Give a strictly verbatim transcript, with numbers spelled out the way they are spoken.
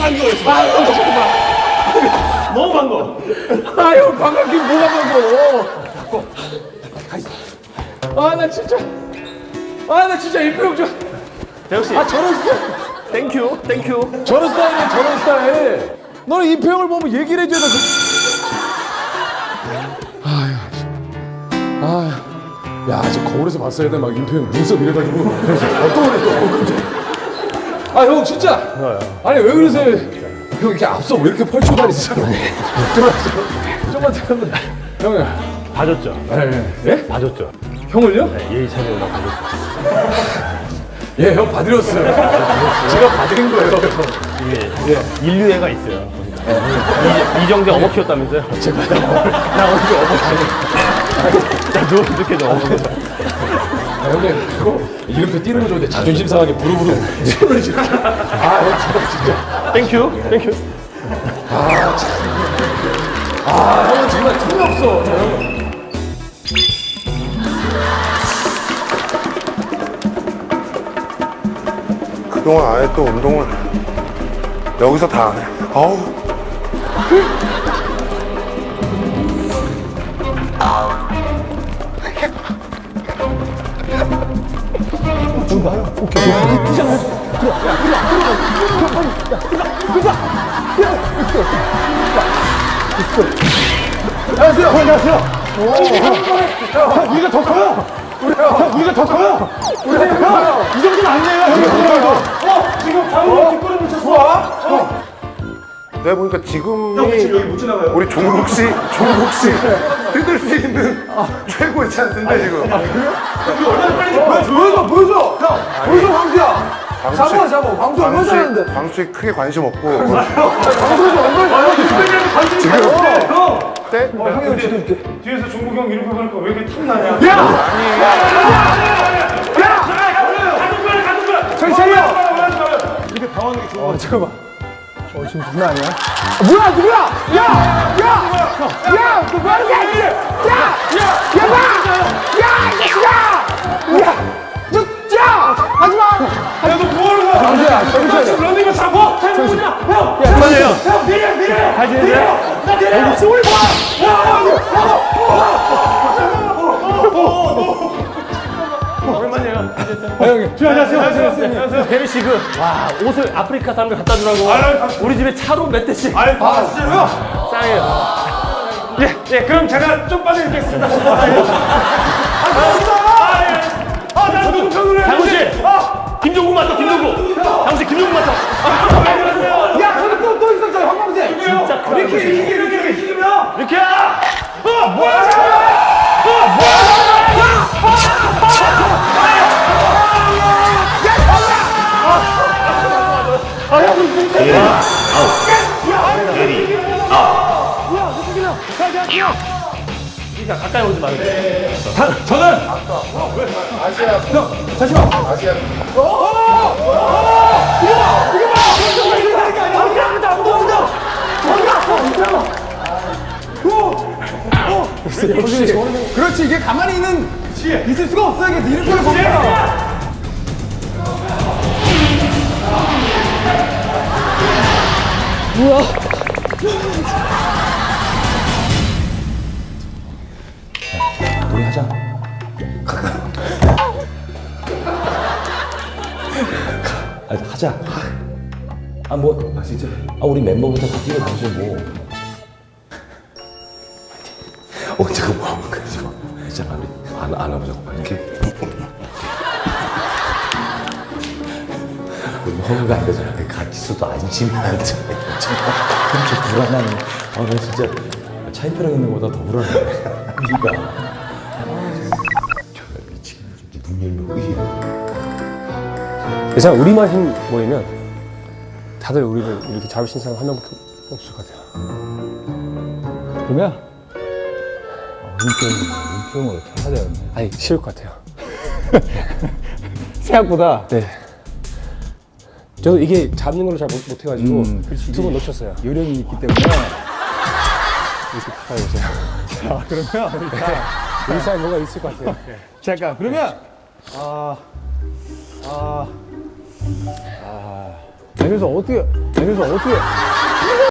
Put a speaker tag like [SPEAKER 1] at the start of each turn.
[SPEAKER 1] 반가웠어.
[SPEAKER 2] 아, 형, 잠깐만.
[SPEAKER 1] 너무 반가워.
[SPEAKER 2] 아, 형, 반갑긴 뭐가 반가워. 아, 나 진짜. 아, 나 진짜 임표형 좀.
[SPEAKER 1] 대혁씨.
[SPEAKER 2] 아, 저런 스타일.
[SPEAKER 1] 땡큐, 땡큐.
[SPEAKER 2] 저런 스타일이야, 저런 스타일. 너는 임표형을 보면 얘기를 해줘야 돼. 아휴. 아휴. 야, 저 거울에서 봤어야 돼. 막 임표형 눈썹 이래가지고. 어떤 거네, 또. 아, 형, 진짜. 아니, 왜 그러세요? 형, 이렇게 앞서 왜 이렇게 펼치고 다니세요? 들어왔어. 좀만 들어면. 형이.
[SPEAKER 1] 봐줬죠?
[SPEAKER 2] 예? 예?
[SPEAKER 1] 봐줬죠?
[SPEAKER 2] 형을요?
[SPEAKER 1] 네, 예의 차리고 봐줬죠.
[SPEAKER 2] 예, 형 봐드렸어요. 제가 봐드린 거예요.
[SPEAKER 1] 이게 인류애가 있어요. 이, 이정재 어머 키웠다면서요?
[SPEAKER 2] 제가
[SPEAKER 1] 나 언제 어머 키웠어? 나 누워 이렇게 좀 어머 키웠어.
[SPEAKER 2] 아, 형님, 그거 이름표 띄는 거 좋은데 자존심 상하게 부르부르 손을 이렇게. 아, 형 진짜.
[SPEAKER 1] 땡큐, 땡큐.
[SPEAKER 2] 아, 참. 아, 형은 정말 틈이 없어. 저 형은.
[SPEAKER 3] 그동안 안 했던 운동을 여기서 다 안 해. 아우.
[SPEAKER 2] 안녕하세요. 안녕하세요. 형, 우리가 더 커요. 우리 형, 우리가 더 커요. 우리 형, 이 정도는 아니에요. 형, 어, 지금 방금 뒷걸음 붙였어.
[SPEAKER 3] 내가 보니까 지금이 우리 종국 씨, 종국 씨 뜯을 수 있는 최고의 찬스인데 지금.
[SPEAKER 2] 얼마나 빨리 보여줘, 보여줘. 형, 보여줘, 광수야. 잡아, 잡아. 광수 얼마나 잘하는데.
[SPEAKER 3] 광수에 크게 관심 없고.
[SPEAKER 2] 광수가 얼마나 잘하는데. 관심이
[SPEAKER 3] 지금
[SPEAKER 2] 형.
[SPEAKER 3] 때?
[SPEAKER 2] 어, 형이 지금 이렇게.
[SPEAKER 4] 뒤에서 종국이 형 이렇게 보니까 왜 이렇게 탐나냐?
[SPEAKER 2] 야! 야!
[SPEAKER 4] 가는 거야, 가는 거야.
[SPEAKER 2] 정신 차려.
[SPEAKER 4] 이렇게 당하는 게 좋아.
[SPEAKER 2] 어, 잠깐만. 어, 지금 장난 아니야? 아, 뭐야, 누구야? 야! 야! 야! 너 뭐하는 거야? 야! 야! 야! 봐! 야! 이 자식아! 야! 너, 야! 하지 마!
[SPEAKER 4] 야, 너 뭐하는 거야?
[SPEAKER 2] 광수야, 정신 차려.
[SPEAKER 4] 지금 런닝을 잡아? 잘 보자. 형,
[SPEAKER 1] 그만해요.
[SPEAKER 4] 형, 내려, 내려.
[SPEAKER 1] 잘 지내세요?
[SPEAKER 4] 나 내려.
[SPEAKER 1] 혹시 우리 오랜만이에요.
[SPEAKER 2] 아, 형님.
[SPEAKER 4] 안녕하세요. 안녕하세요.
[SPEAKER 1] 대리 씨, 그, 와, 옷을 아프리카 사람들 갖다 주라고.
[SPEAKER 4] 아유,
[SPEAKER 1] 우리 집에 차로 몇 대씩.
[SPEAKER 4] 아이, 아, 진짜로요?
[SPEAKER 1] 짱이에요.
[SPEAKER 4] 예, 예, 그럼 제가 좀 빨리 읽겠습니다. 아, 예. 아, 아, 예. 아, 나 농촌으로 해.
[SPEAKER 1] 장훈 씨! 김종국 맞어, 김종국! 장훈 씨, 김종국 맞어!
[SPEAKER 2] 야, 저기 또, 또 있었잖아, 황광재.
[SPEAKER 1] 진짜
[SPEAKER 4] 이렇게, 이렇게, 이렇게, 이렇게 힘이야.
[SPEAKER 1] 이렇게!
[SPEAKER 4] 어, 뭐야?
[SPEAKER 1] 그러니까 가까이 오지 마세요.
[SPEAKER 2] 저는 그렇지, 이게 가만히 있는 있을 수가 없어. 이게 이렇게 보면. 우리 하자. 아, 하자. 아, 뭐, 아, 진짜. 아, 우리 멤버부터 다 뛰어다니죠, 뭐. 어, 잠깐, 뭐, 그러지 마. 있잖아, 우리 안, 안아보자고, 이렇게. 우리 허브가 안 되잖아. 같이 있어도 안심이 안 돼. 그렇게 불안하네. 아, 나 진짜 차인표랑 있는 것보다 더 불안해. 네가. 눈 열면 의해.
[SPEAKER 5] 예상 우리만 힘 모이면 다들 우리를 이렇게 잡을 수 있는 사람 한 명밖에 없을 것 같아요.
[SPEAKER 2] 그러면 인표형을 이렇게 해야 되는데.
[SPEAKER 5] 아니 쉬울 것 같아요.
[SPEAKER 2] 생각보다.
[SPEAKER 5] 네. 저도 이게 잡는 걸로 잘 못, 못해가지고
[SPEAKER 2] 음, 그렇지.
[SPEAKER 5] 두 번 놓쳤어요.
[SPEAKER 2] 요령이 있기 때문에.
[SPEAKER 5] 이렇게 가까이 오세요.
[SPEAKER 2] 자, 그러면 일단.
[SPEAKER 5] 우리 사이 뭐가 있을 것 같아요.
[SPEAKER 2] 잠깐, 그러면. 아. 아. 아. 아니 그래서 어떻게 아니 그래서 어떻게